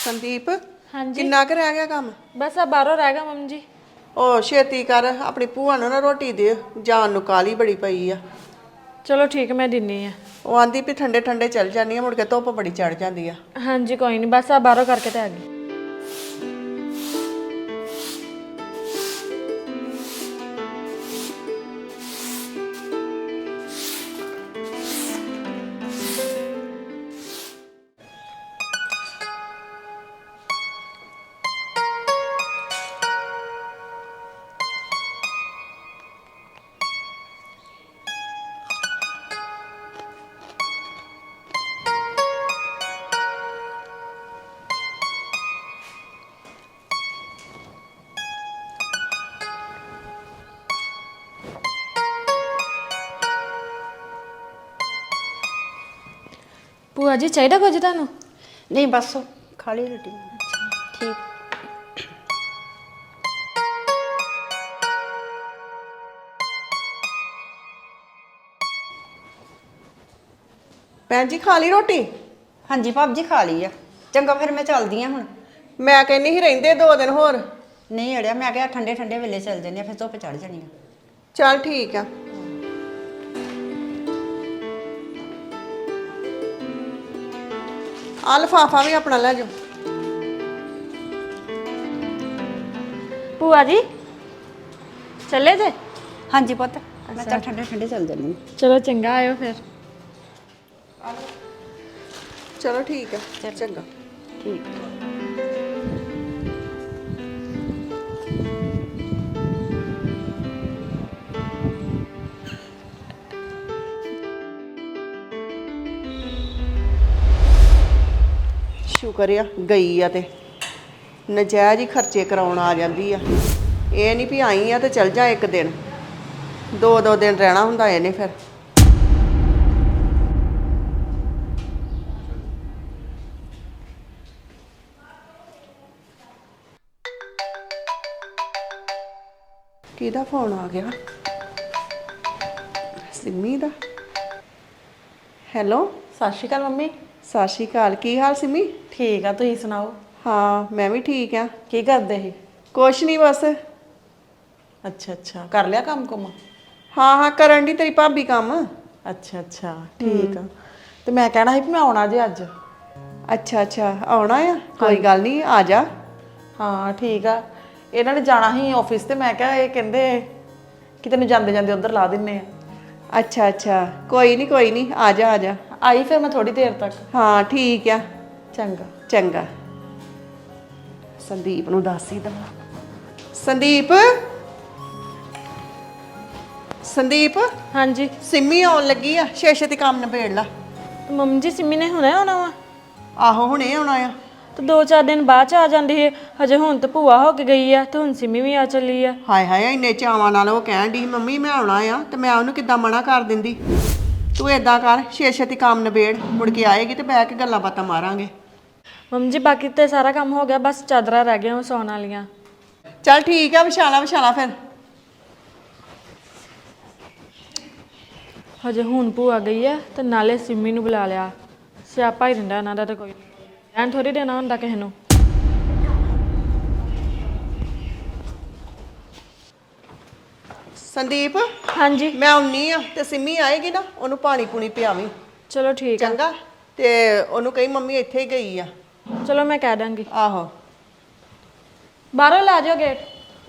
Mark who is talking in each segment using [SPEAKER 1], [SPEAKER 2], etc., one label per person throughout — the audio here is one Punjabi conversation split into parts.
[SPEAKER 1] संदीप
[SPEAKER 2] हाँ जी
[SPEAKER 1] किन्ना क रह गया काम?
[SPEAKER 2] बस अब बाहरों रह गया मम्मी जी।
[SPEAKER 1] ओ छेती कर अपनी भूआ ਨੂੰ ਨਾ ਰੋਟੀ ਦੇ ਜਾਨ ਨੂੰ ਕਾਲੀ ਬੜੀ ਪਈ ਆ।
[SPEAKER 2] चलो ठीक है मैं दिन्नी है।
[SPEAKER 1] ਉਹ ਆਂਦੀ ਵੀ ਠੰਡੇ ਠੰਡੇ ਚੱਲ ਜਾਂਦੀ ਆ ਮੁੜ ਕੇ ਧੁੱਪ ਬੜੀ ਚੜ ਜਾਂਦੀ ਆ।
[SPEAKER 2] हाँ जी कोई नहीं बस अब बाहरों करके तो आ गई। ਭੂਆ ਜੀ ਚਾਹੀਦਾ ਕੁਝ ਤੁਹਾਨੂੰ?
[SPEAKER 3] नहीं बस खा ली रोटी। ठीक।
[SPEAKER 1] ਭੈਣ ਜੀ ਖਾ ਲਈ ਰੋਟੀ?
[SPEAKER 3] हाँ जी भाभी जी खा ली है। चंगा फिर मैं चलदी हाँ हुण।
[SPEAKER 1] ਮੈਂ ਕਹਿੰਨੀ ਸੀ ਰਹਿੰਦੇ 2 ਦਿਨ ਹੋਰ।
[SPEAKER 3] नहीं अड़िया मैं क्या ठंडे ठंडे वेले चल जाने फिर धुप चढ़ जानी है।
[SPEAKER 1] ਚੱਲ ਠੀਕ ਆ। ਆ ਲਿਫਾਫਾ ਵੀ ਆਪਣਾ ਲੈ ਜਾਓ।
[SPEAKER 2] ਭੂਆ ਜੀ ਚੱਲੇ ਜੇ?
[SPEAKER 3] हाँ जी पुत मैं चल ठंडे ठंडे चल जानी।
[SPEAKER 2] ਚਲੋ ਚੰਗਾ ਆਇਓ ਫਿਰ।
[SPEAKER 1] ਚਲੋ ਠੀਕ ਆ ਚੰਗਾ।
[SPEAKER 3] ठीक।
[SPEAKER 1] ਸ਼ੁਕਰ ਆ ਗਈ ਆ ਤੇ ਨਜਾਇਜ਼ ਹੀ ਖਰਚੇ ਕਰਾਉਣ ਆ ਜਾਂਦੀ ਆ। ਇਹ ਨਹੀਂ ਵੀ ਆਈ ਆ ਤੇ ਚਲ ਜਾ ਇੱਕ ਦਿਨ 2 ਦਿਨ ਰਹਿਣਾ ਹੁੰਦਾ ਇਹਨੇ ਫਿਰ। ਕਿਹਦਾ ਫੋਨ ਆ ਗਿਆ? ਸਿੰਮੀ ਦਾ। ਹੈਲੋ
[SPEAKER 4] ਸਤਿ ਸ਼੍ਰੀ ਅਕਾਲ ਮੰਮੀ।
[SPEAKER 1] ਸਤਿ ਸ਼੍ਰੀ ਅਕਾਲ। ਕੀ ਹਾਲ ਸਿੰਮੀ?
[SPEAKER 4] ਠੀਕ ਆ ਤੁਸੀਂ ਸੁਣਾਓ
[SPEAKER 1] ਹਾਂ ਮੈਂ ਵੀ ਠੀਕ ਆ।
[SPEAKER 4] ਕੀ ਕਰਦੇ ਸੀ?
[SPEAKER 1] ਕੁਛ ਨਹੀਂ ਬਸ।
[SPEAKER 4] ਅੱਛਾ ਅੱਛਾ ਕਰ ਲਿਆ ਕੰਮ ਕੁਮ?
[SPEAKER 1] ਹਾਂ ਹਾਂ ਕਰਨ ਦੀ ਤੇਰੀ ਭਾਬੀ ਕੰਮ।
[SPEAKER 4] ਅੱਛਾ ਅੱਛਾ ਠੀਕ ਆ। ਤੇ ਮੈਂ ਕਹਿਣਾ ਸੀ ਵੀ ਮੈਂ ਆਉਣਾ ਜੇ ਅੱਜ।
[SPEAKER 1] ਅੱਛਾ ਅੱਛਾ ਆਉਣਾ ਆ? ਕੋਈ ਗੱਲ ਨਹੀਂ ਆ ਜਾ।
[SPEAKER 4] ਹਾਂ ਠੀਕ ਆ। ਇਹਨਾਂ ਨੇ ਜਾਣਾ ਸੀ ਆਫਿਸ ਤੇ ਮੈਂ ਕਿਹਾ ਇਹ ਕਹਿੰਦੇ ਕਿ ਤੈਨੂੰ ਜਾਂਦੇ ਜਾਂਦੇ ਉਧਰ ਲਾ ਦਿੰਨੇ ਆ।
[SPEAKER 1] ਅੱਛਾ ਅੱਛਾ ਕੋਈ ਨਹੀਂ ਆ ਜਾ ਆ ਜਾ।
[SPEAKER 4] ਆਈ ਫਿਰ ਮੈਂ ਥੋੜੀ ਦੇਰ ਤੱਕ।
[SPEAKER 1] ਹਾਂ ਠੀਕ ਆ
[SPEAKER 4] ਚੰਗਾ।
[SPEAKER 1] ਚੰਗਾ। ਸੰਦੀਪ ਨੂੰ ਦੱਸ ਹੀ ਦਵਾਂ। ਸੰਦੀਪ ਸੰਦੀਪ
[SPEAKER 2] हाँ जी
[SPEAKER 1] ਸਿੰਮੀ ਆਉਣ ਲੱਗੀ ਆ। ਛੇ-ਛੇ ਤੇ ਕੰਮ ਨਿਬੇੜ ਲਾ।
[SPEAKER 2] ਮੰਮੀ ਜੀ ਸਿੰਮੀ ਨੇ ਹੁਣੇ ਆਉਣਾ ਵਾ?
[SPEAKER 1] ਆਹੋ ਹੁਣੇ ਆਉਣਾ ਆ।
[SPEAKER 2] ਤੇ 2-4 ਦਿਨ ਬਾਅਦ ਚ ਆ ਜਾਂਦੀ ਹੈ। ਹਜੇ ਹੁਣ ਤਾਂ ਭੂਆ ਹੋ ਕੇ ਗਈ ਆ ਤੇ ਹੁਣ ਸਿੰਮੀ ਵੀ ਆ ਚੱਲੀ ਆ।
[SPEAKER 1] ਹਾਏ ਹਾਏ ਇੰਨੇ ਚਾਵਾਂ ਨਾਲ ਉਹ ਕਹਿਣ ਦੀ ਮੰਮੀ ਮੈਂ ਆਉਣਾ ਆ ਤੇ ਮੈਂ ਉਹਨੂੰ ਕਿੱਦਾਂ ਮਨਾ ਕਰ ਦਿੰਦੀ। ਤੂੰ ਏਦਾਂ ਕਰ ਛੇ-ਛੇ ਤੇ ਕੰਮ ਨਿਬੇੜ ਮੁੜ ਕੇ ਆਏਗੀ ਤੇ ਬਹਿ ਕੇ ਗੱਲਾਂ ਬਾਤਾਂ ਮਾਰਾਂਗੇ।
[SPEAKER 2] ਮੰਮੀ ਜੀ ਬਾਕੀ ਤੇ ਸਾਰਾ ਕੰਮ ਹੋ ਗਿਆ ਬਸ ਚਾਦਰਾਂ ਰਹਿ ਗਈਆਂ ਉਹ ਸੌਣ ਵਾਲੀਆਂ।
[SPEAKER 1] ਚੱਲ ਠੀਕ ਆ ਵਿਛਾਲਾ ਫਿਰ।
[SPEAKER 2] ਹਜੇ ਹੁਣ ਭੂਆ ਗਈ ਆ ਤੇ ਨਾਲੇ ਸਿੰਮੀ ਨੂੰ ਬੁਲਾ ਲਿਆ। ਸਿਆਪਾ ਹੀ ਰਹਿੰਦਾ ਇਹਨਾਂ ਦਾ ਤਾਂ ਕੋਈ ਐਨ ਥੋੜੀ ਦੇਣਾ ਹੁੰਦਾ ਕਿਸੇ ਨੂੰ।
[SPEAKER 1] ਸੰਦੀਪ
[SPEAKER 2] हाँ जी
[SPEAKER 1] ਮੈਂ ਆਉਣੀ ਆ ਤੇ ਸਿੰਮੀ ਆਏਗੀ ਨਾ ਉਹਨੂੰ ਪਾਣੀ ਪੂਣੀ ਪਿਆਵੀਂ
[SPEAKER 2] चलो ठीक है।
[SPEAKER 1] ਚੰਗਾ। ਤੇ ਉਹਨੂੰ ਕਹੀ ਮੰਮੀ ਇੱਥੇ ਹੀ ਗਈ ਆ।
[SPEAKER 2] चलो मैं कह दूंगी।
[SPEAKER 1] ਆਹੋ
[SPEAKER 2] बाहरों ला जाओ गेट।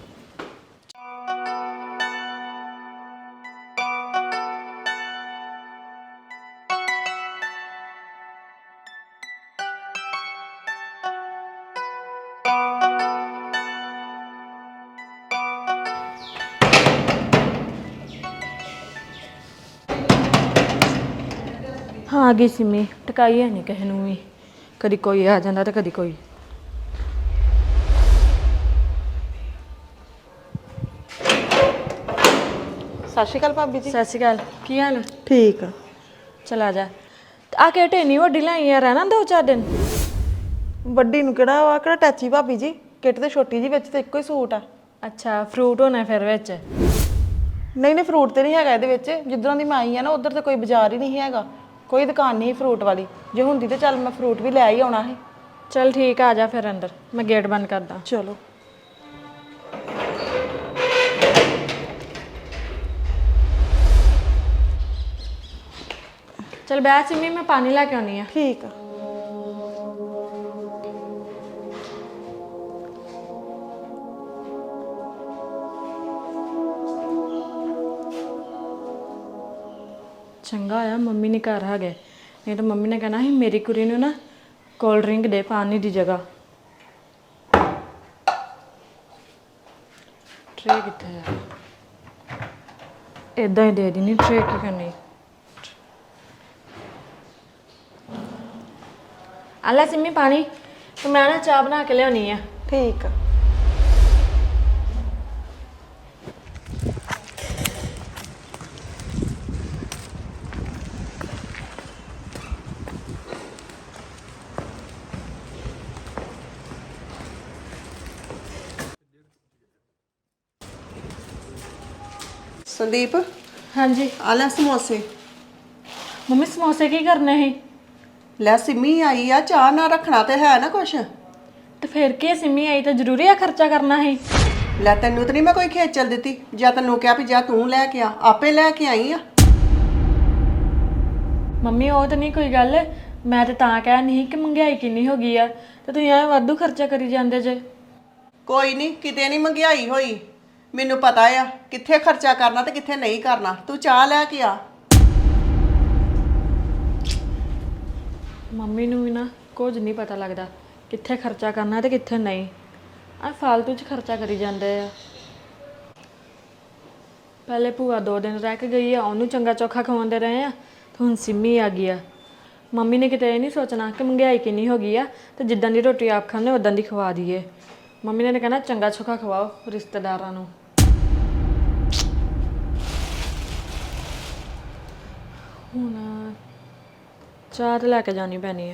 [SPEAKER 2] हाँ आ गई सिमी टकाई है नहीं किसी नूं भी। कदी कोई आ जाता तो कदी कोई।
[SPEAKER 4] ਸਤਿ ਸ਼੍ਰੀ ਅਕਾਲ ਭਾਬੀ ਜੀ।
[SPEAKER 2] सत श्री अकाल की हाल है?
[SPEAKER 4] ਠੀਕ ਆ।
[SPEAKER 2] चल आ जा। आ के ढेनी वड्डी लाई है रहना 2-4 दिन।
[SPEAKER 4] ਵੱਡੀ ਨੂੰ ਕਿਹੜਾ ਵਾ ਕਿਹੜਾ ਟੈਚੀ ਭਾਬੀ ਜੀ। ਕਿੱਟ ਤੇ ਛੋਟੀ ਜੀ ਵਿੱਚ ਤੇ ਇੱਕੋ ਹੀ ਸੂਟ ਆ।
[SPEAKER 2] अच्छा फ्रूट होना फिर विच?
[SPEAKER 4] ਨਹੀਂ ਨਹੀਂ ਫਰੂਟ ਤੇ ਨਹੀਂ ਹੈਗਾ ਇਹਦੇ ਵਿੱਚ। ਜਿੱਧਰੋਂ ਦੀ ਮੈਂ ਆਈ ਆ ਨਾ ਉਧਰ ਤੇ ਕੋਈ ਬਾਜ਼ਾਰ ਹੀ ਨਹੀਂ ਹੈਗਾ। ਕੋਈ ਦੁਕਾਨ ਨਹੀਂ ਫਰੂਟ ਵਾਲੀ। ਜੇ ਹੁੰਦੀ ਤੇ ਚੱਲ ਮੈਂ ਫਰੂਟ ਵੀ ਲੈ ਹੀ ਆਉਣਾ ਸੀ।
[SPEAKER 2] ਚਲ ਠੀਕ ਆ ਜਾ ਫਿਰ ਅੰਦਰ ਮੈਂ ਗੇਟ ਬੰਦ ਕਰਦਾ
[SPEAKER 4] ਚਲੋ।
[SPEAKER 2] ਚਲ ਬੈ ਸਿੰਮੀ ਮੈਂ ਪਾਣੀ ਲੈ ਕੇ ਆਉਣੀ ਆ
[SPEAKER 4] ਠੀਕ ਆ।
[SPEAKER 2] ਚੰਗਾ ਆ ਮੰਮੀ ਨੇ ਘਰ ਹੈਗੇ ਨਹੀਂ ਤਾਂ ਮੰਮੀ ਨੇ ਕਹਿਣਾ ਸੀ ਮੇਰੀ ਕੁੜੀ ਨੂੰ ਨਾ ਕੋਲਡ ਡਰਿੰਕ ਦੇ ਪਾਣੀ ਦੀ ਜਗ੍ਹਾ ਟਰੇ ਕਿੱਥੇ ਆ ਇਦਾਂ ਹੀ ਦੇ ਦੇਣੀ ਟਰੇ ਕੀ ਕਰਨੀ ਆਲਾ ਸਿੰਮੀ ਪਾਣੀ ਤੇ ਮੈਂ ਨਾ ਚਾਹ ਬਣਾ ਕੇ ਲਿਆਉਣੀ ਆ
[SPEAKER 4] ਠੀਕ ਆ।
[SPEAKER 1] ਸੰਦੀਪ
[SPEAKER 2] ਹਾਂਜੀ
[SPEAKER 1] ਆ ਲੈ ਸਮੋਸੇ।
[SPEAKER 2] ਮੰਮੀ ਸਮੋਸੇ ਕੀ ਕਰਨੇ ਸੀ
[SPEAKER 1] ਲੈ ਸਿੰਮੀ ਆਈ ਆ, ਚਾਹ ਨਾ ਰੱਖਣਾ ਤੇ ਹੈ ਨਾ ਕੁਛ।
[SPEAKER 2] ਤੇ ਫਿਰ ਕੀ ਸਿੰਮੀ ਆਈ ਤਾਂ ਜ਼ਰੂਰੀ ਆ ਖਰਚਾ ਕਰਨਾ ਸੀ
[SPEAKER 1] ਲੈ ਤੈਨੂੰ ਤਾਂ ਨਹੀਂ ਮੈਂ ਕੋਈ ਖੇਚਲ ਦਿੱਤੀ, ਜਾਂ ਤੈਨੂੰ ਕਿਹਾ ਵੀ ਜਾ ਤੂੰ ਲੈ ਕੇ ਆ, ਆਪੇ ਲੈ ਕੇ ਆਈ ਆ।
[SPEAKER 2] ਮੰਮੀ ਉਹ ਤਾਂ ਨਹੀਂ ਕੋਈ ਗੱਲ ਮੈਂ ਤਾਂ ਕਹਿ ਨਹੀਂ ਕਿ ਮਹਿੰਗਾਈ ਕਿੰਨੀ ਹੋ ਗਈ ਆ ਤੇ ਤੁਸੀਂ ਐਵੇਂ ਵਾਧੂ ਖਰਚਾ ਕਰੀ ਜਾਂਦੇ ਜੇ
[SPEAKER 1] ਕੋਈ ਨਹੀਂ, ਕਿਤੇ ਨਹੀਂ ਮਹਿੰਗਾਈ ਹੋਈ, ਮੈਨੂੰ ਪਤਾ ਆ ਕਿੱਥੇ ਖਰਚਾ ਕਰਨਾ ਤੇ ਕਿੱਥੇ ਨਹੀਂ ਕਰਨਾ। ਤੂੰ ਚਾਹ ਲੈ ਕੇ ਆ।
[SPEAKER 2] ਮੰਮੀ ਨੂੰ ਵੀ ਨਾ ਕੁਝ ਨਹੀਂ ਪਤਾ ਲੱਗਦਾ ਕਿੱਥੇ ਖਰਚਾ ਕਰਨਾ ਤੇ ਕਿੱਥੇ ਨਹੀਂ ਆ ਫालतू 'ਚ ਖਰਚਾ ਕਰੀ ਜਾਂਦੇ ਆ ਪਹਿਲੇ ਭੂਆ 2 ਦਿਨ ਰਹਿ ਕੇ ਗਈ ਆ ਉਹਨੂੰ ਚੰਗਾ ਚੋਖਾ ਖਵਾਉਂਦੇ ਰਹੇ ਆ ਤੇ ਹੁਣ ਸਿੰਮੀ ਆ ਗਈ ਆ ਮੰਮੀ ਨੇ ਕਿਤੇ ਇਹ ਨਹੀਂ ਸੋਚਣਾ ਕਿ ਮਹਿੰਗਾਈ ਕਿੰਨੀ ਹੋ ਗਈ ਆ ਤੇ ਜਿੱਦਾਂ ਦੀ ਰੋਟੀ ਆਪ ਖਾਂਦੇ ਉਦਾਂ ਦੀ ਖਵਾ ਦਈਏ ਮੰਮੀ ਨੇ ਕਹਿਣਾ ਚੰਗਾ ਚੋਖਾ ਖਵਾਓ ਰਿਸ਼ਤੇਦਾਰਾਂ ਨੂੰ ਹੁਣ ਚਾਹ ਤੇ ਲੈ ਕੇ ਜਾਣੀ ਪੈਣੀ ਆ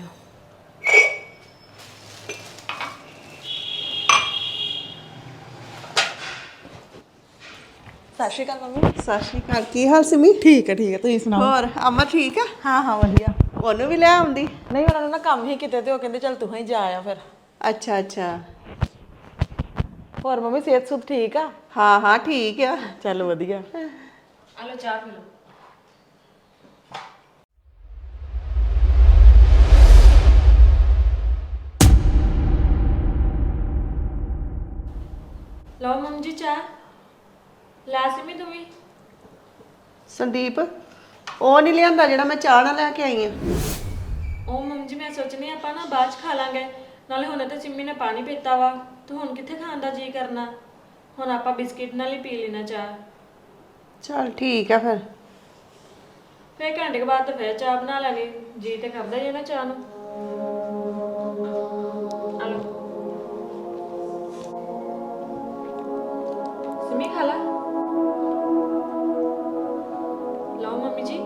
[SPEAKER 4] ਸਤਿ ਸ਼੍ਰੀ ਅਕਾਲ ਮੰਮੀ।
[SPEAKER 1] ਸਤਿ ਸ਼੍ਰੀ ਅਕਾਲ। ਕੀ ਹਾਲ ਸਿੰਮੀ?
[SPEAKER 4] ਠੀਕ ਹੈ ਤੁਸੀਂ ਸੁਣਾਓ।
[SPEAKER 1] ਹੋਰ ਅਮਰ ਠੀਕ ਆ?
[SPEAKER 4] ਹਾਂ ਹਾਂ ਵਧੀਆ।
[SPEAKER 1] ਉਹਨੂੰ ਵੀ ਲੈ ਆਉਂਦੀ।
[SPEAKER 4] ਨਹੀਂ ਉਹਨਾਂ ਨੂੰ ਨਾ ਕੰਮ ਹੀ ਕਿਤੇ ਤੇ ਉਹ ਕਹਿੰਦੇ ਚੱਲ ਤੂੰ ਹੀ ਜਾ ਆ ਫਿਰ।
[SPEAKER 1] ਅੱਛਾ ਅੱਛਾ।
[SPEAKER 4] ਹੋਰ ਮੰਮੀ ਸਿਹਤ ਸੁਧ ਠੀਕ ਆ?
[SPEAKER 1] ਹਾਂ ਹਾਂ ਠੀਕ ਆ।
[SPEAKER 4] ਚੱਲ ਵਧੀਆ।
[SPEAKER 2] ਆ ਲੋ ਚਾਹ ਪੀ ਲੋ ਲਓ ਮੰਮੀ ਜੀ ਚਾਹ ਲੈ ਸਿਮੀ ਤੂੰ ਵੀ
[SPEAKER 1] ਸੰਦੀਪ ਉਹ ਨਹੀਂ ਲਿਆਂਦਾ ਜਿਹੜਾ ਮੈਂ ਚਾਹ ਨਾਲ ਲੈ ਕੇ ਆਈ ਆ।
[SPEAKER 2] ਉਹ ਮੰਮੀ ਜੀ ਮੈਂ ਸੋਚਣੀ ਆਪਾਂ ਨਾ ਬਾਅਦ ਚ ਖਾ ਲਾਂਗੇ ਨਾਲੇ ਹੁਣ ਤਾਂ ਸਿੰਮੀ ਨੇ ਪਾਣੀ ਪੀਤਾ ਵਾ ਤੇ ਹੁਣ ਕਿੱਥੇ ਖਾਣ ਦਾ ਜੀ ਕਰਨਾ ਹੁਣ ਆਪਾਂ ਬਿਸਕਿਟ ਨਾਲ ਹੀ ਪੀ ਲੈਣਾ ਚਾਹ
[SPEAKER 1] ਚਲ ਠੀਕ ਆ ਫਿਰ
[SPEAKER 2] ਘੰਟੇ ਕੇ ਬਾਅਦ ਤਾਂ ਫਿਰ ਚਾਹ ਬਣਾ ਲੈਣੀ ਜੀ ਤੇ ਕਰਦਾ ਹੀ ਹੈ ਨਾ ਚਾਹ ਨੂੰ ਆ ਲਓ ਸਿੰਮੀ ਖਾ ਲਾ ਲਓ ਮੰਮੀ ਜੀ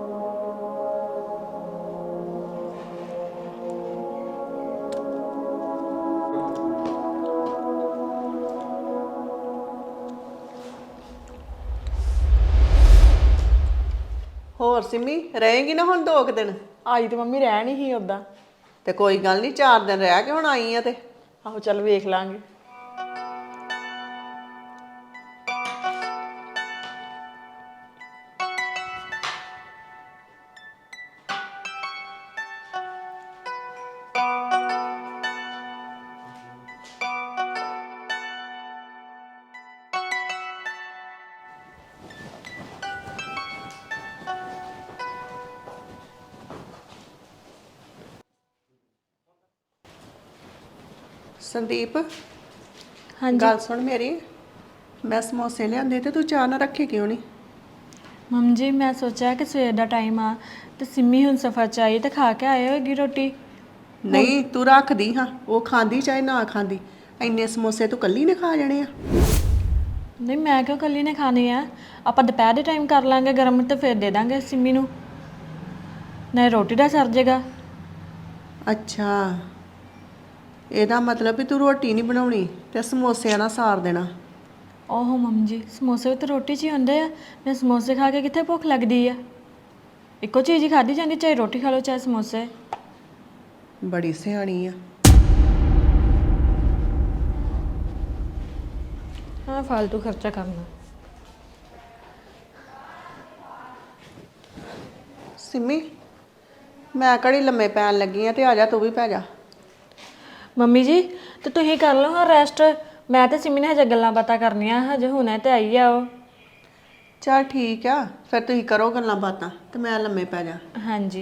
[SPEAKER 1] ਹੋਰ ਸਿੰਮੀ ਰਹੇਗੀ ਨਾ ਹੁਣ 2 ਦਿਨ?
[SPEAKER 4] ਆਈ ਤੇ ਮੰਮੀ ਰਹਿ ਨਹੀਂ ਸੀ ਉਦਾਂ।
[SPEAKER 1] ਤੇ ਕੋਈ ਗੱਲ ਨਹੀਂ 4 ਦਿਨ ਰਹਿ ਕੇ ਹੁਣ ਆਈ ਆ ਤੇ
[SPEAKER 4] ਆਹੋ ਚੱਲ ਵੇਖ ਲਾਂਗੇ।
[SPEAKER 1] ਸੰਦੀਪ
[SPEAKER 2] ਹਾਂਜੀ
[SPEAKER 1] ਗੱਲ ਸੁਣ ਮੇਰੀ, ਮੈਂ ਸਮੋਸੇ ਲਿਆਂਦੇ ਤੇ ਤੂੰ ਚਾਹ ਨਾ ਰੱਖੇ ਕਿਉਂ ਨਹੀਂ?
[SPEAKER 2] ਮੰਮੀ ਜੀ ਮੈਂ ਸੋਚਿਆ ਕਿ ਸਵੇਰ ਦਾ ਟਾਈਮ ਆ ਤੇ ਸਿੰਮੀ ਹੁਣ ਸਫਰ ਚ ਆਈ ਤੇ ਖਾ ਕੇ ਆਏ ਹੋਏਗੀ ਰੋਟੀ
[SPEAKER 1] ਨਹੀਂ ਤੂੰ ਰੱਖਦੀ ਹਾਂ, ਉਹ ਖਾਂਦੀ ਚਾਹੇ ਨਾ ਖਾਂਦੀ, ਇੰਨੇ ਸਮੋਸੇ ਤੂੰ ਕੱਲੀ ਨੇ ਖਾ ਜਾਣੇ ਆ।
[SPEAKER 2] ਨਹੀਂ ਮੈਂ ਕਿਉਂ ਕੱਲੀ ਨੇ ਖਾਣੇ ਆ ਆਪਾਂ ਦੁਪਹਿਰ ਦੇ ਟਾਈਮ ਕਰ ਲਾਂਗੇ ਗਰਮ ਤੇ ਫਿਰ ਦੇ ਦਾਂਗੇ ਸਿੰਮੀ ਨੂੰ ਨਹੀਂ ਰੋਟੀ ਦਾ ਸਰ ਜੇਗਾ
[SPEAKER 1] ਅੱਛਾ ਇਹਦਾ ਮਤਲਬ ਵੀ ਤੂੰ ਰੋਟੀ ਨਹੀਂ ਬਣਾਉਣੀ ਤੇ ਸਮੋਸਿਆਂ ਨਾਲ ਸਾਰ ਦੇਣਾ।
[SPEAKER 2] ਓਹੋ ਮੰਮੀ ਜੀ ਸਮੋਸੇ ਵੀ ਤਾਂ ਰੋਟੀ 'ਚ ਹੀ ਹੁੰਦੇ ਆ ਮੈਂ ਸਮੋਸੇ ਖਾ ਕੇ ਕਿੱਥੇ ਭੁੱਖ ਲੱਗਦੀ ਆ ਇੱਕੋ ਚੀਜ਼ ਹੀ ਖਾਧੀ ਜਾਂਦੀ ਚਾਹੇ ਰੋਟੀ ਖਾ ਲਓ ਚਾਹੇ ਸਮੋਸੇ
[SPEAKER 1] ਬੜੀ ਸਿਆਣੀ ਆ।
[SPEAKER 2] ਹਾਂ ਫालतू ਖਰਚਾ ਕਰਨਾ।
[SPEAKER 1] ਸਿੰਮੀ ਮੈਂ ਕਿਹੜੀ ਲੰਮੇ ਪੈਣ ਲੱਗੀ ਆ ਤੇ ਆ ਜਾ ਤੂੰ ਵੀ ਪੈ ਜਾ।
[SPEAKER 2] ਮੰਮੀ ਜੀ ਤੇ ਤੁਸੀਂ ਕਰ ਲਓ ਹਾਂ ਰੈਸਟ। ਮੈਂ ਤੇ ਸਿਮੀ ਨੇ ਹਜੇ ਗੱਲਾਂ ਬਾਤਾਂ ਕਰਨੀਆਂ, ਹਜੇ ਹੁਣੇ ਤੇ ਆਈ ਆ ਉਹ।
[SPEAKER 1] ਚਲ ਠੀਕ ਆ, ਫਿਰ ਤੁਸੀਂ ਕਰੋ ਗੱਲਾਂ ਬਾਤਾਂ ਤੇ ਮੈਂ ਲੰਮੇ ਪੈ ਜਾ।
[SPEAKER 2] ਹਾਂਜੀ।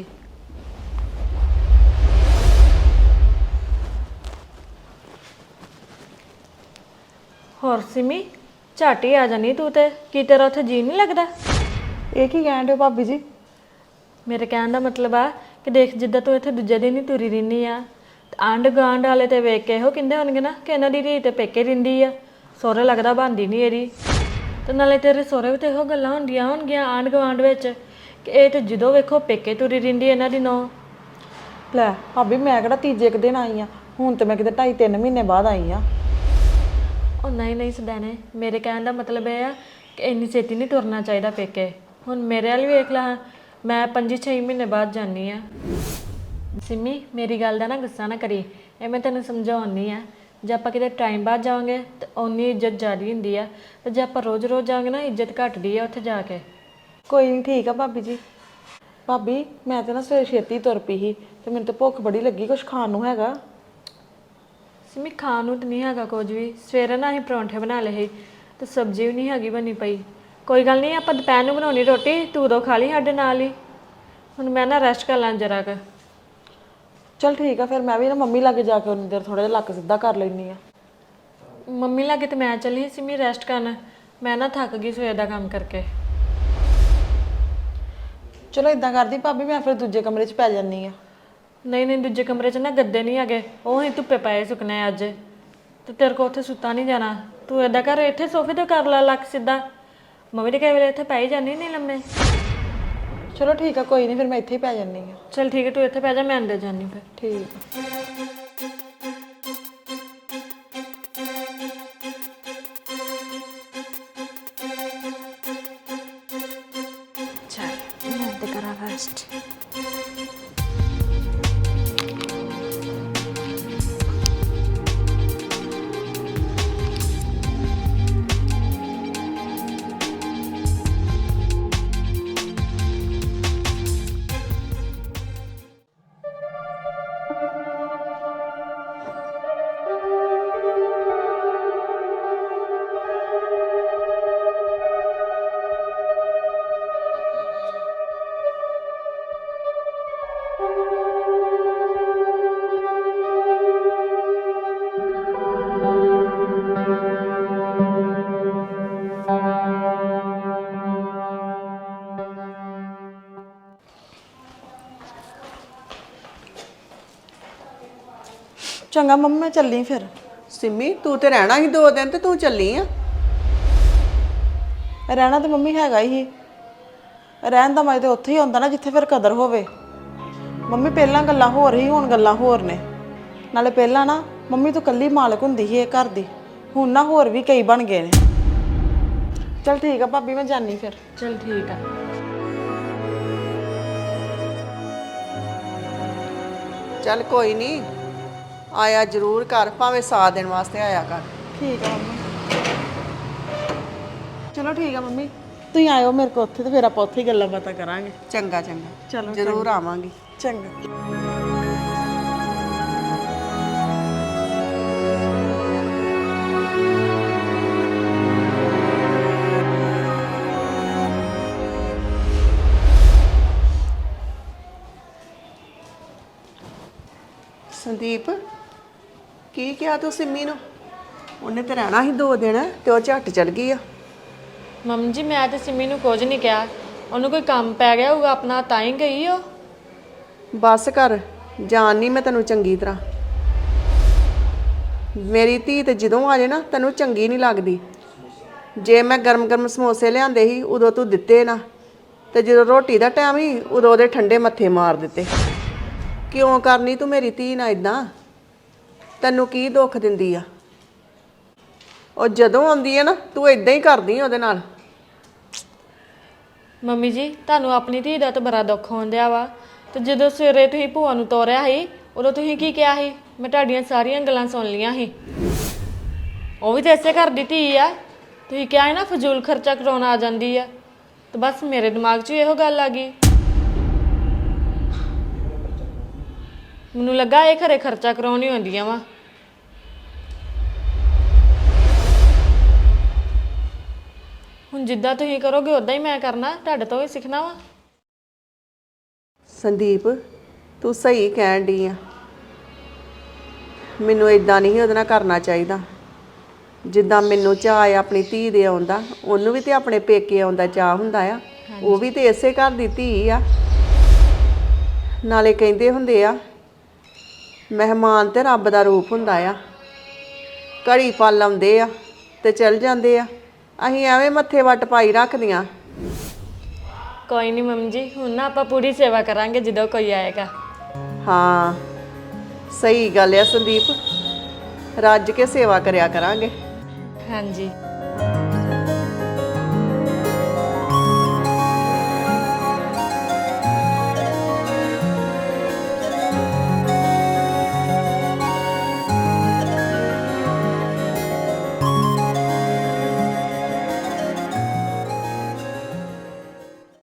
[SPEAKER 2] ਹੋਰ ਸਿਮੀ ਝੱਟ ਹੀ ਆ ਜਾਨੀ ਤੂੰ ਤੇ, ਕੀ ਤੇਰਾ ਉੱਥੇ ਜੀ ਨਹੀਂ ਲੱਗਦਾ?
[SPEAKER 4] ਇਹ ਕੀ ਕਹਿਣ ਦੇ ਭਾਬੀ ਜੀ?
[SPEAKER 2] ਮੇਰੇ ਕਹਿਣ ਦਾ ਮਤਲਬ ਆ ਕਿ ਦੇਖ ਜਿੱਦਾਂ ਤੂੰ ਇੱਥੇ ਦੂਜੇ ਦਿਨ ਹੀ ਤੁਰੀ ਰਹਿੰਦੀ ਆ, ਤੇ ਆਂਢ ਗੁਆਂਢ ਵਾਲੇ ਤੇ ਵੇਖ ਕੇ ਇਹੋ ਕਹਿੰਦੇ ਹੋਣਗੇ ਨਾ ਕਿ ਇਹਨਾਂ ਦੀ ਧੀ ਤੇ ਪੇਕੇ ਰਹਿੰਦੀ ਆ, ਸਹੁਰੇ ਲੱਗਦਾ ਬਣਦੀ ਨਹੀਂ ਇਹਦੀ। ਤੇ ਨਾਲੇ ਤੇਰੇ ਸਹੁਰੇ ਵੀ ਤੇ ਇਹੋ ਗੱਲਾਂ ਹੁੰਦੀਆਂ ਹੋਣਗੀਆਂ ਆਂਢ ਗੁਆਂਢ ਵਿੱਚ ਕਿ ਇਹ ਤੇ ਜਦੋਂ ਵੇਖੋ ਪੇਕੇ ਤੁਰੀ ਰਹਿੰਦੀ ਇਹਨਾਂ ਦੀ ਨੌਂ।
[SPEAKER 4] ਲੈ ਭਾਬੀ ਮੈਂ ਕਿਹੜਾ ਤੀਜੇ ਕੁ ਦਿਨ ਆਈ ਆ, ਹੁਣ ਤੇ ਮੈਂ ਕਿਤੇ 2.5-3 ਮਹੀਨੇ ਬਾਅਦ ਆਈ ਆ।
[SPEAKER 2] ਉਹ ਨਹੀਂ ਸਦਾਨੇ, ਮੇਰੇ ਕਹਿਣ ਦਾ ਮਤਲਬ ਇਹ ਆ ਕਿ ਇੰਨੀ ਛੇਤੀ ਨਹੀਂ ਤੁਰਨਾ ਚਾਹੀਦਾ ਪੇਕੇ। ਹੁਣ ਮੇਰੇ ਵਾਲੀ ਵੇਖ ਲਾ, ਮੈਂ 5-6 ਮਹੀਨੇ ਬਾਅਦ ਜਾਂਦੀ ਆ। ਸਿੰਮੀ ਮੇਰੀ ਗੱਲ ਦਾ ਨਾ ਗੁੱਸਾ ਨਾ ਕਰੀ, ਇਹ ਮੈਂ ਤੈਨੂੰ ਸਮਝਾਉਣੀ ਆ। ਜੇ ਆਪਾਂ ਕਿਤੇ ਟਾਈਮ ਬਾਅਦ ਜਾਵਾਂਗੇ ਤਾਂ ਓਨੀ ਇੱਜ਼ਤ ਜ਼ਿਆਦਾ ਹੁੰਦੀ ਆ, ਤੇ ਜੇ ਆਪਾਂ ਰੋਜ਼-ਰੋਜ਼ ਜਾਵਾਂਗੇ ਨਾ ਇੱਜ਼ਤ ਘਟਦੀ ਆ ਉੱਥੇ ਜਾ ਕੇ।
[SPEAKER 4] ਕੋਈ ਨਹੀਂ ਠੀਕ ਆ ਭਾਬੀ ਜੀ। ਭਾਬੀ ਮੈਂ ਤੇ ਨਾ ਸਵੇਰੇ ਛੇਤੀ ਤੁਰ ਪਈ ਸੀ ਤੇ ਮੈਨੂੰ ਤੇ ਭੁੱਖ ਬੜੀ ਲੱਗੀ, ਕੁਝ ਖਾਣ ਨੂੰ ਹੈਗਾ?
[SPEAKER 2] ਸਿੰਮੀ ਖਾਣ ਨੂੰ ਤਾਂ ਨਹੀਂ ਹੈਗਾ ਕੁਝ ਵੀ। ਸਵੇਰੇ ਨਾ ਅਸੀਂ ਪਰੌਂਠੇ ਬਣਾ ਲਏ ਸੀ ਤੇ ਸਬਜ਼ੀ ਵੀ ਨਹੀਂ ਹੈਗੀ ਬਣੀ ਪਈ। ਕੋਈ ਗੱਲ ਨਹੀਂ, ਆਪਾਂ ਦੁਪਹਿਰ ਨੂੰ ਬਣਾਉਣੀ ਰੋਟੀ, ਤੂੰ ਉਦੋਂ ਖਾ ਲਈ ਸਾਡੇ ਨਾਲ ਹੀ। ਹੁਣ ਮੈਂ ਨਾ ਰੈਸਟ ਕਰ ਲਾਂ ਜਰਾ ਕੁ।
[SPEAKER 4] ਚਲ ਠੀਕ ਆ, ਫਿਰ ਮੈਂ ਵੀ ਨਾ ਮੰਮੀ ਲਾਗੇ ਜਾ ਕੇ ਉਨੀ ਦੇਰ ਥੋੜਾ ਜਿਹਾ ਲੱਕ ਸਿੱਧਾ ਕਰ ਲੈਣੀ ਆ।
[SPEAKER 2] ਮੰਮੀ ਲਾਗੇ ਤੇ ਮੈਂ ਚੱਲੀ ਸਿੰਮੀ ਰੈਸਟ ਕਰਨ, ਮੈਂ ਨਾ ਥੱਕ ਗਈ ਸਵੇਰ ਦਾ ਕੰਮ ਕਰਕੇ।
[SPEAKER 4] ਚਲੋ ਇਦਾਂ ਕਰਦੀ ਭਾਬੀ, ਮੈਂ ਫਿਰ ਦੂਜੇ ਕਮਰੇ 'ਚ ਪੈ ਜਾਂਦੀ ਆ।
[SPEAKER 2] ਨਹੀਂ ਦੂਜੇ ਕਮਰੇ 'ਚ ਨਾ ਗੱਦੇ ਨਹੀਂ ਹੈਗੇ, ਉਹ ਹੀ ਧੁੱਪੇ ਪਏ ਸੁੱਕਣੇ ਅੱਜ, ਤੇ ਤੇਰੇ ਕੋਲ ਉੱਥੇ ਸੁੱਤਾ ਨਹੀਂ ਜਾਣਾ। ਤੂੰ ਏਦਾਂ ਕਰ, ਇੱਥੇ ਸੋਫੇ ਤੇ ਕਰ ਲਾ ਲੱਕ ਸਿੱਧਾ। ਮੰਮੀ ਦੇ ਕਈ ਵੇਲੇ ਇੱਥੇ ਪੈ ਹੀ ਜਾਂਦੀ ਨਹੀਂ ਲੰਮੇ।
[SPEAKER 4] ਚਲੋ ਠੀਕ ਆ, ਕੋਈ ਨਹੀਂ ਫਿਰ ਮੈਂ ਇੱਥੇ ਹੀ ਪੈ ਜਾਂਦੀ ਆ।
[SPEAKER 2] ਚਲ ਠੀਕ ਹੈ, ਤੂੰ ਇੱਥੇ ਪੈ ਜਾ, ਮੈਂ ਅੰਦਰ ਜਾਂਦੀ ਫਿਰ।
[SPEAKER 4] ਠੀਕ ਆ।
[SPEAKER 2] ਚੱਲ ਮੈਂ ਤੇ ਕਰਾਂ ਰੈਸਟ।
[SPEAKER 4] ਚੰਗਾ ਮੰਮੀ ਮੈਂ ਚੱਲੀ ਫਿਰ।
[SPEAKER 1] ਸਿੰਮੀ ਤੂੰ ਤੇ ਰਹਿਣਾ ਸੀ 2 ਦਿਨ ਤੇ ਤੂੰ ਚੱਲੀ ਆ।
[SPEAKER 4] ਰਹਿਣਾ ਤੇ ਮੰਮੀ ਹੈਗਾ ਹੀ, ਰਹਿਣ ਦਾ ਮਜ਼ਾ ਤੇ ਉੱਥੇ ਹੀ ਆਉਂਦਾ ਨਾ ਜਿੱਥੇ ਫਿਰ ਕਦਰ ਹੋਵੇ। ਮੰਮੀ ਪਹਿਲਾਂ ਗੱਲਾਂ ਹੋਰ ਹੀ, ਹੁਣ ਗੱਲਾਂ ਹੋਰ ਨੇ। ਨਾਲੇ ਪਹਿਲਾਂ ਨਾ ਮੰਮੀ ਤੋਂ ਕੱਲੀ ਮਾਲਕ ਹੁੰਦੀ ਸੀ ਇਹ ਘਰ ਦੀ, ਹੁਣ ਨਾ ਹੋਰ ਵੀ ਕਈ ਬਣ ਗਏ ਨੇ। ਚਲ ਠੀਕ ਆ ਭਾਬੀ, ਮੈਂ ਜਾਨੀ ਫਿਰ।
[SPEAKER 2] ਚਲ ਠੀਕ ਆ।
[SPEAKER 1] ਚੱਲ ਕੋਈ ਨਹੀਂ, ਆਇਆ ਜ਼ਰੂਰ ਕਰ, ਭਾਵੇਂ 100 ਦਿਨ ਵਾਸਤੇ ਆਇਆ ਕਰ।
[SPEAKER 4] ਠੀਕ ਆ ਮੰਮੀ। ਚਲੋ ਠੀਕ ਆ ਮੰਮੀ, ਤੁਸੀਂ ਆਇਓ ਮੇਰੇ ਕੋਲ ਉੱਥੇ ਤੇ ਫਿਰ ਆਪਾਂ ਉੱਥੇ ਹੀ ਗੱਲਾਂ ਬਾਤਾਂ ਕਰਾਂਗੇ।
[SPEAKER 1] ਚੰਗਾ ਚੰਗਾ,
[SPEAKER 4] ਚਲੋ
[SPEAKER 1] ਜ਼ਰੂਰ ਆਵਾਂਗੀ।
[SPEAKER 4] ਚੰਗਾ।
[SPEAKER 1] ਸੰਦੀਪ ਕੀ ਕਿਹਾ ਤੂੰ ਸਿੰਮੀ ਨੂੰ? ਉਹਨੇ ਤੇ ਰਹਿਣਾ ਸੀ 2 ਦਿਨ ਤੇ ਉਹ ਝੱਟ ਚਲ ਗਈ ਆ।
[SPEAKER 2] ਮੰਮੀ ਜੀ ਮੈਂ ਤੇ ਸਿੰਮੀ ਨੂੰ ਕੁਝ ਨਹੀਂ ਕਿਹਾ, ਉਹਨੂੰ ਕੋਈ ਕੰਮ ਪੈ ਗਿਆ ਹੋਊਗਾ ਆਪਣਾ ਤਾਂ ਹੀ ਗਈ ਉਹ।
[SPEAKER 1] ਬਸ ਕਰ, ਜਾਣਨੀ ਮੈਂ ਤੈਨੂੰ ਚੰਗੀ ਤਰ੍ਹਾਂ। ਮੇਰੀ ਧੀ ਤੇ ਜਦੋਂ ਆ ਜੇ ਨਾ ਤੈਨੂੰ ਚੰਗੀ ਨਹੀਂ ਲੱਗਦੀ। ਜੇ ਮੈਂ ਗਰਮ ਸਮੋਸੇ ਲਿਆਂਦੇ ਸੀ ਉਦੋਂ ਤੂੰ ਦਿੱਤੇ ਨਾ, ਤੇ ਜਦੋਂ ਰੋਟੀ ਦਾ ਟਾਈਮ ਸੀ ਉਦੋਂ ਉਹਦੇ ਠੰਡੇ ਮੱਥੇ ਮਾਰ ਦਿੱਤੇ। ਕਿਉਂ ਕਰਨੀ ਤੂੰ ਮੇਰੀ ਧੀ ਨਾਲ ਇਦਾਂ? ਤੈਨੂੰ ਕੀ ਦੁੱਖ ਦਿੰਦੀ ਆ? ਉਹ ਜਦੋਂ ਆਉਂਦੀ ਹੈ ਨਾ ਤੂੰ ਇਦਾਂ ਹੀ ਕਰਦੀ ਉਹਦੇ ਨਾਲ।
[SPEAKER 2] ਮੰਮੀ ਜੀ ਤੁਹਾਨੂੰ ਆਪਣੀ ਧੀ ਦਾ ਤਾਂ ਬੜਾ ਦੁੱਖ ਹੋਣ ਵਾ, ਤੇ ਜਦੋਂ ਸਵੇਰੇ ਤੁਸੀਂ ਭੂਆ ਨੂੰ ਤੋਰਿਆ ਸੀ ਉਦੋਂ ਤੁਸੀਂ ਕੀ ਕਿਹਾ ਸੀ? ਮੈਂ ਤੁਹਾਡੀਆਂ ਸਾਰੀਆਂ ਗੱਲਾਂ ਸੁਣ ਲਈਆਂ ਸੀ। ਉਹ ਵੀ ਤਾਂ ਇਸੇ ਘਰ ਦੀ ਧੀ ਆ, ਤੁਸੀਂ ਕਿਹਾ ਹੈ ਨਾ ਫਜ਼ੂਲ ਖਰਚਾ ਕਰਾਉਣਾ ਆ ਜਾਂਦੀ ਆ, ਤੇ ਬਸ ਮੇਰੇ ਦਿਮਾਗ 'ਚ ਵੀ ਇਹੋ ਗੱਲ ਆ ਗਈ। ਮੈਨੂੰ ਲੱਗਾ ਇਹ ਘਰੇ ਖਰਚਾ ਕਰਾਉਣੀ ਹੁੰਦੀਆਂ ਵਾ। ਹੁਣ ਜਿੱਦਾਂ ਤੁਸੀਂ ਕਰੋਗੇ ਉਦਾਂ ਹੀ ਮੈਂ ਕਰਨਾ, ਤੁਹਾਡੇ ਤੋਂ ਵੀ ਸਿੱਖਣਾ ਵਾ।
[SPEAKER 1] ਸੰਦੀਪ ਤੂੰ ਸਹੀ ਕਹਿਣ ਡਈ ਆ। ਮੈਨੂੰ ਇਦਾਂ ਨਹੀਂ ਉਹਦੇ ਨਾਲ ਕਰਨਾ ਚਾਹੀਦਾ। ਜਿੱਦਾਂ ਮੈਨੂੰ ਚਾਅ ਆ ਆਪਣੀ ਧੀ ਦੇ ਆਉਂਦਾ, ਉਹਨੂੰ ਵੀ ਤੇ ਆਪਣੇ ਪੇਕੇ ਆਉਂਦਾ ਚਾਅ ਹੁੰਦਾ ਆ। ਉਹ ਵੀ ਤੇ ਇਸੇ ਘਰ ਦੀ ਧੀ ਆ। ਨਾਲੇ ਕਹਿੰਦੇ ਹੁੰਦੇ ਆ ਮਹਿਮਾਨ ਤੇ ਰੱਬ ਦਾ ਰੂਪ ਹੁੰਦਾ ਆ। ਘੜੀ ਪਲ ਆਉਂਦੇ ਆ ਤੇ ਚਲ ਜਾਂਦੇ ਆ। ਅਸੀਂ ਐਵੇਂ ਮੱਥੇ ਵੱਟ ਪਾਈ ਰੱਖਦੀਆਂ।
[SPEAKER 2] ਕੋਈ ਨਹੀਂ ਮੰਮੀ ਜੀ, ਹੁਣ ਨਾ ਆਪਾਂ ਪੂਰੀ ਸੇਵਾ ਕਰਾਂਗੇ ਜਦੋਂ ਕੋਈ ਆਏਗਾ।
[SPEAKER 1] ਹਾਂ ਸਹੀ ਗੱਲ ਆ ਸੰਦੀਪ, ਰੱਜ ਕੇ ਸੇਵਾ ਕਰਿਆ ਕਰਾਂਗੇ।
[SPEAKER 2] ਹਾਂਜੀ।